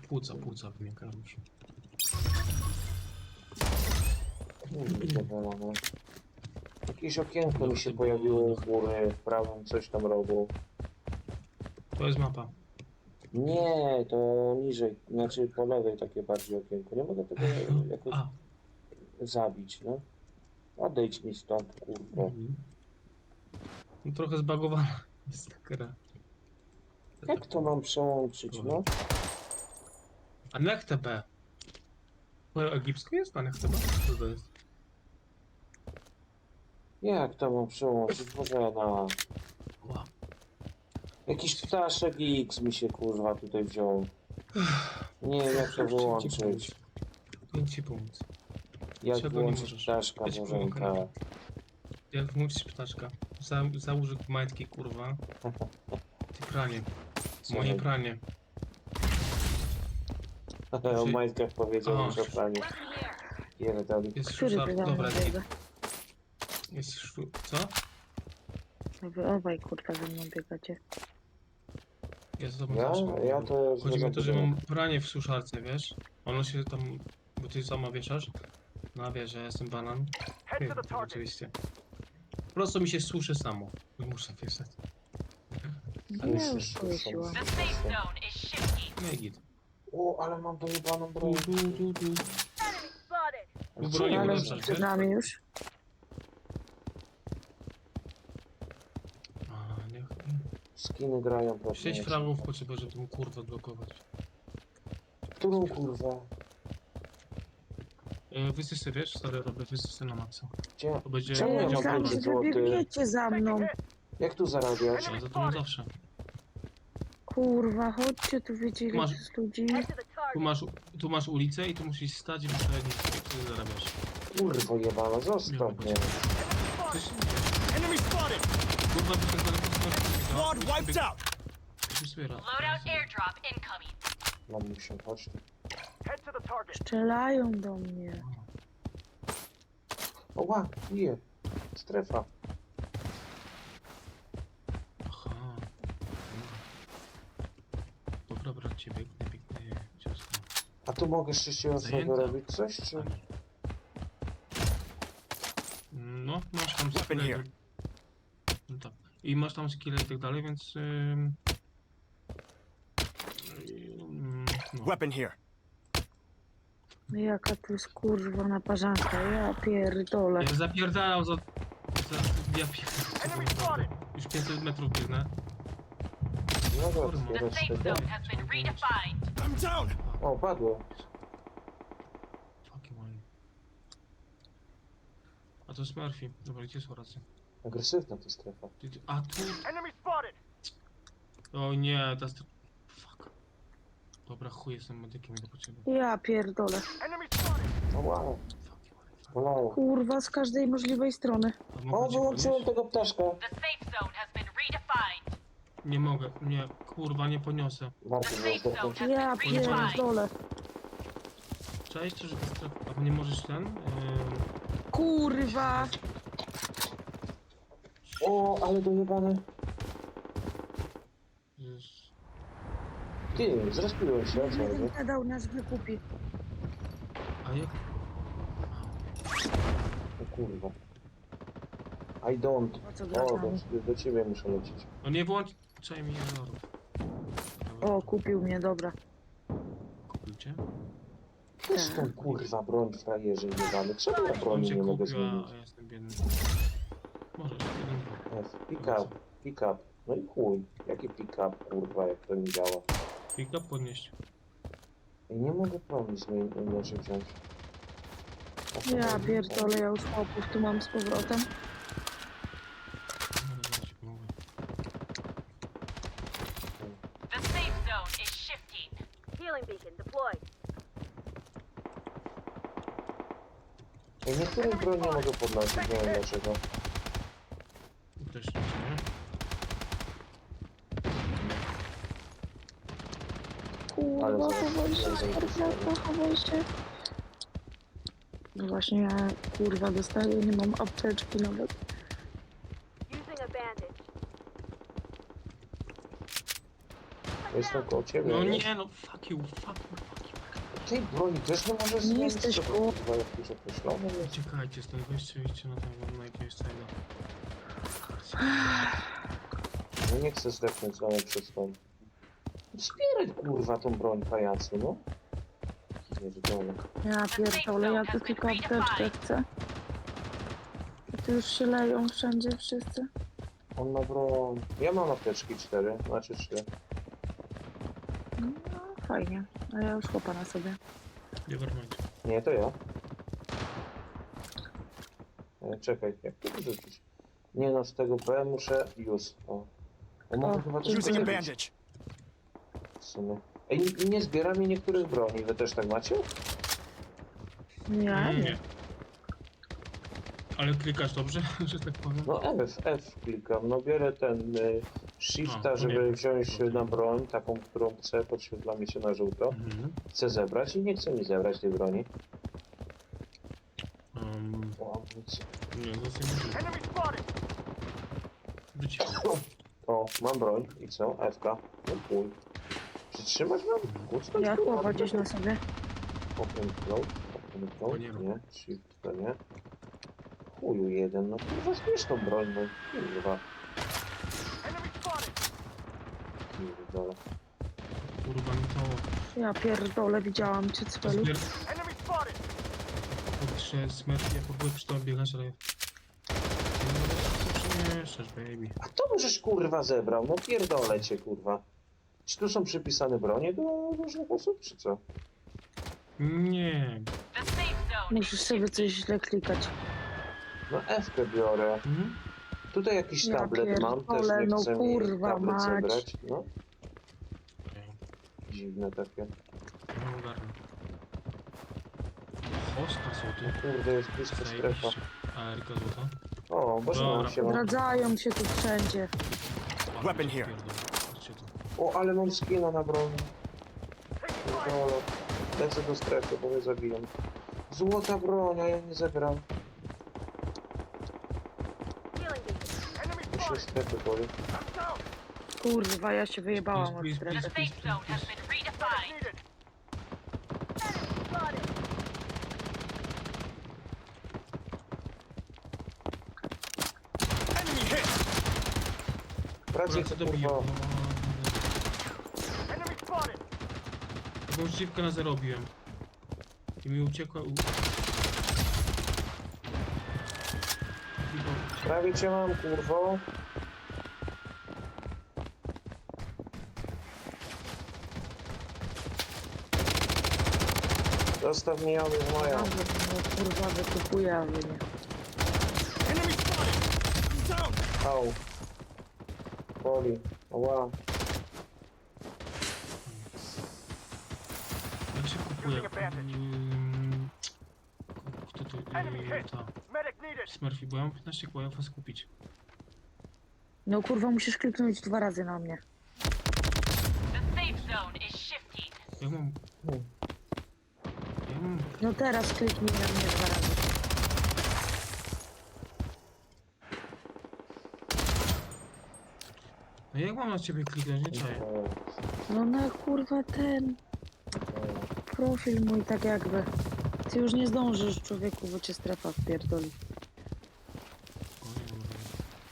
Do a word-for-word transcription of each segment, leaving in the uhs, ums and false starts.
płuca, płuca wymiękają już. Zadowolone. Jakieś okienko mi się pojawiło u góry, w prawym coś tam robił. To jest mapa. Nie, to niżej, znaczy po lewej takie bardziej okienko. Nie mogę tego jakoś A. zabić, no. Odejdź mi stąd, kurwa. Mhm. No, trochę zbagowana jest ta gra. Jak to mam przełączyć, no? A Nechte B. Po egipsku jest? A Nechte B? Co to jest? Jak to mam przełączyć? Bożena. Wow. Jakiś ptaszek X mi się kurwa tutaj wziął. Nie wiem jak to wyłączyć. Pięć ci pomóc. Jak Czego nie wyłączyć możesz? ptaszka, Ja ci Bożenka? pomogę. Jak włączyć ptaszka? Za, załóż majtki, kurwa. Ty pranie. Moje pranie. O majtkach powiedział O. już o praniu. Pierdoli. Jest Który szusar. ty tam Dobra, biega? jest szu... Co? No wy obaj kurwa ze mną biegacie. Ja z tobą Ja? zawsze. Ja to... Chodzi mi o to, że mam pranie w suszarce, wiesz? Ono się tam... Bo ty sama wieszasz. No wiesz, że ja jestem banan. Nie, to oczywiście. Po prostu mi się suszy samo. Nie muszę wieszać. No ja już powiesiłam. The safe zone is shifting. No i git. O, ale mam dojebaną broń. Tu, tu, tu, tu. Enemy spotted. Tu broni Ale ulepszasz, przed wiesz? nami już. A, niech... Skiny grają po Sześć fragów potrzebuję, żeby tą kurwę blokować. Którą kurwę? E, wysysy, wiesz? Stary, robię wysysy na maksa. Gdzie? To będzie... Czemu ja Ja mam myślałam, pięć że wy złotych? biegniecie za mną. Jak tu zarabiać? Ja za tobą zawsze. Kurwa, chodźcie tu, wiecie ile Masz- tu jest ludzi. Head to the Tu target. masz, tu masz ulicę i tu musisz stać i wyśrednić, jak ty zarabiasz. Kurwo jebana, zostaw mnie. Coś... Enemy spotted! Kurwa, wypierdolę Squad wiped out! Loadout airdrop incoming. Mam się, chodź tu. Head to the target. Strzelają do mnie. Oła, bije. Strefa. Aha. Dobra, bracie, biegnę, biegnę, ciasto. A tu mogę sześcioocnego Zajęta. robić coś, czy? No, masz tam Weapon skille. here. No tak. I masz tam skille i tak dalej, więc... Ym... Ym, no. Weapon here. No jaka tu jest kurwa naparzanka, ja pierdolę. Ja zapierdalam za... za... Ja pierdolę. Już pięćset metrów biegnę. No Kurwa. dobra, The safe zbierać zone has been redefined. I'm down! O, padło. Fucking one. A to Smurfy. Dobra, gdzie są racje? Agresywna ta strefa. A tu... Enemy spotted! O nie, to jest... Fuck. Dobra, chuj, jestem medykiem, idę po ciebie. Ja pierdolę. Enemy spotted! O, wow. Fuck you, fuck. Bolało. Kurwa z każdej możliwej strony. A mogę O, cię wyłączyłem podnieść? tego ptaszka. The safe zone has been redefined. Nie mogę, nie, kurwa, nie poniosę. Warto The było safe zone zdechnąć. has Ja been redefined. pierdolę. Cześć, czy że to strefa... A nie możesz ten? Yy... Kurwa. O, ale dojebane. Jezus. Ty, zrespiłem się, o co Jeden chodzi? dał nasz wykupi. A jak? O kurwa. I don't. O co gra z O, nami? do, do ciebie muszę lecieć. No nie włączaj mi jadorów. O, kupił mnie, dobra. Kupił cię? Też tą kurwa broń frajerze jebany. Czemu ja On broni cię nie mogę kupił, a zmienić? a ja jestem biedny. Możesz, jeden, F, pick up, pick up. No i chuj. Jaki pick up, kurwa, jak to nie działa. pick up podnieść. I nie mogę broni zmienić, inaczej wziąć. O co Ja chodzi? pierdolę, ja już chłopów tu mam z powrotem. No, zaraz ci pomogę. The safe zone is shifting. Healing beacon deployed. Ej, niektórych broń nie mogę podnosić, nie wiem dlaczego. Też nie, nie? Kurwa, Ale chowaj się, zaraz- skarpiatka, chowaj się. No właśnie, ja kurwa dostaję, nie mam apteczki nawet. Using a bandage. Jestem koło ciebie. No wiesz? nie, no fuck you, fuck you, fuck you. Tej broni też nie możesz Nie zmienić, jesteś co to, koło- kurwa, jakieś określone jest. Uciekajcie stąd, weźcie, idźcie na tego, na jakiegoś tego. No nie chcę zdechnąć ale przez to. Zbieraj kurwa tą broń pajacu, no. Pierdolę. Ja pierdolę, ja tu tylko apteczkę chcę. I tu już się leją wszędzie wszyscy. On ma broń. Ja mam apteczki cztery, znaczy trzy. No fajnie, a ja już chłopa na sobie. Nevermind. Nie, to ja. E, czekaj, jak to wyrzucić? Nie no, z tego B muszę już. O. O, mogę O, chyba coś dziękuję. Using a zrobić bandage. w sumie. Ej, nie- nie zbiera mi niektórych broni. Wy też tak macie? Ja nie. Ale klikasz dobrze, że tak powiem? No F, F klikam. No biorę ten y, shifta, A, to żeby nie. wziąć na broń, taką, którą chcę, podświetla mi się na żółto. Mhm. Chcę zebrać i nie chce mi zebrać tej broni. Um, O, nic. nie, to jest niemożliwe. Enemy spotted. Wróć. O, mam broń. I co? F K. No chuj. Przytrzymać mam? Kucnąć? Ja kurwa? chłopa gdzieś na sobie. Open close. Open To close. nie ma. Nie. Shift to nie. Chuju jeden. No kurwa, zbierz tą broń, no. Kurwa. Enemy spotted. Pierdolę. Kurwa mi to... Ja pierdolę, widziałam cię To celu. zbier... Enemy spotted. Kurczę, smerf, ja próbuję przy tobie biegać, ale... Co przemieszczasz, baby? A to możesz kurwa zebrał. No pierdolę cię kurwa. Czy tu są przypisane bronie do różnych osób, czy co? Nie. The safe zone Musisz is sobie coś źle klikać. No F-kę biorę. Mhm. Tutaj jakiś Ja tablet mam, też pierdolę, nie no chcę mi kurwa tablet mać. zebrać. No, Okej, dziwne takie. nie ogarnę. Hosta są tu. Kurde, jest blisko strefa. Zajebiście. A Erika złota? O, Boże, Dobra. mam się mam. Zdradzają się tu wszędzie. Weapon here. Chodźcie tu. O, ale mam skina na broni. Pierdolę. Lecę do strefy, bo mnie zabiją. Złota broń, a ja nie zabieram. Enemy Mi się spotted. strefy boli. I'm down. Kurwa, ja się wyjebałam od Please, The strefy. please, safe zone has been redefined. Needed. Enemy hit. Wracaj, Dobra, co to bije? kurwa. Enemy spotted. Taką żywkę na zero robiłem. I mi uciekła... U... Prawie cię mam, kurwo. Zostaw mnie, ja jest moja. Dobra, no kurwa, wykupuję, a wy nie. Enemy spotted. Down. Au. Boli. Ła. Jak się kupuje? Using a bandage. Mm, Kto to... Enemy Yy, hit. ta... Medic needed. Smurfy, bo ja mam piętnaście koła, ja was kupić. No kurwa, musisz kliknąć dwa razy na mnie. The safe zone is shifting. Ja mam... Hmm. Ja mam... No teraz kliknij na mnie dwa razy. No jak mam na ciebie kliknąć, nie czaję. No na kurwa ten profil mój tak jakby. Ty już nie zdążysz, człowieku, bo cię strefa wpierdoli. O, nie mam żadnego.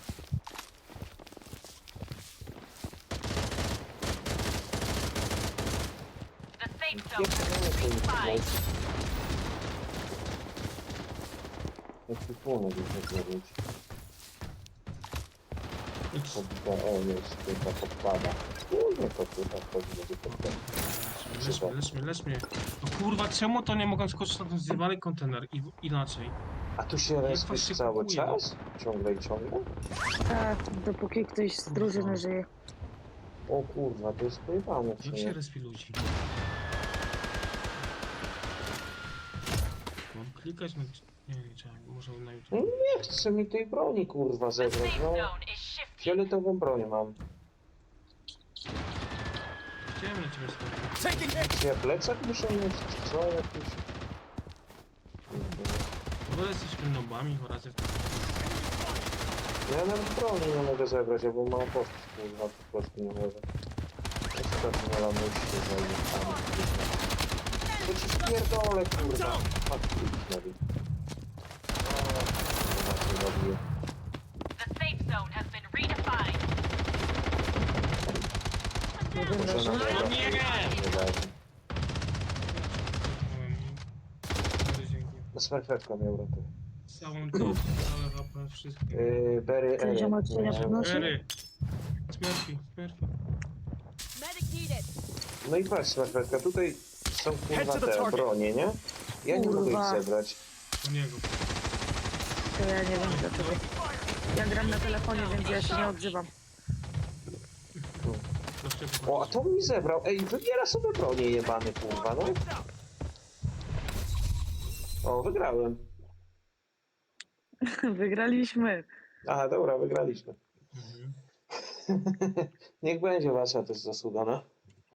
The safe Jak zone to has nie been jest redefined. Jaki płonek jest zrobić? X. Podda, o jest, tylko podpada. Kurde, to chyba wchodzi do podpada. Lecz mnie, lecz mnie, lecz mnie. No kurwa, czemu to nie mogę skoczyć na ten zjebany kontener i inaczej? A tu się Jak respisz was się cały kupuje? czas? Ciągle i ciągle? Tak, dopóki ktoś z drużyny żyje. O kurwa, to jest pojebane w Jak się sumie. respi ludzi? Mam klikać na... Nie, nie, trzeba, może na YouTube. Nie chce mi tej broni kurwa The zebrać, safe no. zone is shifting. Fioletową broń mam. Chciałem na ciebie spojrzeć. Taking hit. Czy ja plecak muszę mieć, czy co? Jakiś... W ogóle jesteśmy nobami, oraz jak... Ja nawet broni nie mogę zebrać, bo mam postać kurwa, po prostu nie mogę. przykład nie lamuście zajmę. To ci spierdolę, kurwa. Fuck, zrobił. O, kurwa, się robię. The safe zone has been redefined. Jeden Muszę leży. na to nie! nie leży. Bardzo dzięki. Smerfetka miał ratę. Całą całą całe H P, wszystkie. Yy, Berry, Ten Ery. ziomek co ja Nie, podnoszę? Ery. Smurfy, Smurfy. Medic needed. No i patrz, Smerfetka, tutaj są kurwa Head to the te target. bronie, nie? Ja nie mogę ich Kurwa. zebrać. Do niego. To ja nie wiem dlaczego. Ja gram na telefonie, więc ja się nie odzywam. Proszę O, a to mi zebrał. Ej, wybiera sobie bronię jebany, kurwa, no. O, wygrałem. Wygraliśmy. Aha, dobra, wygraliśmy. Mhm. Niech będzie wasza też zasługa, no.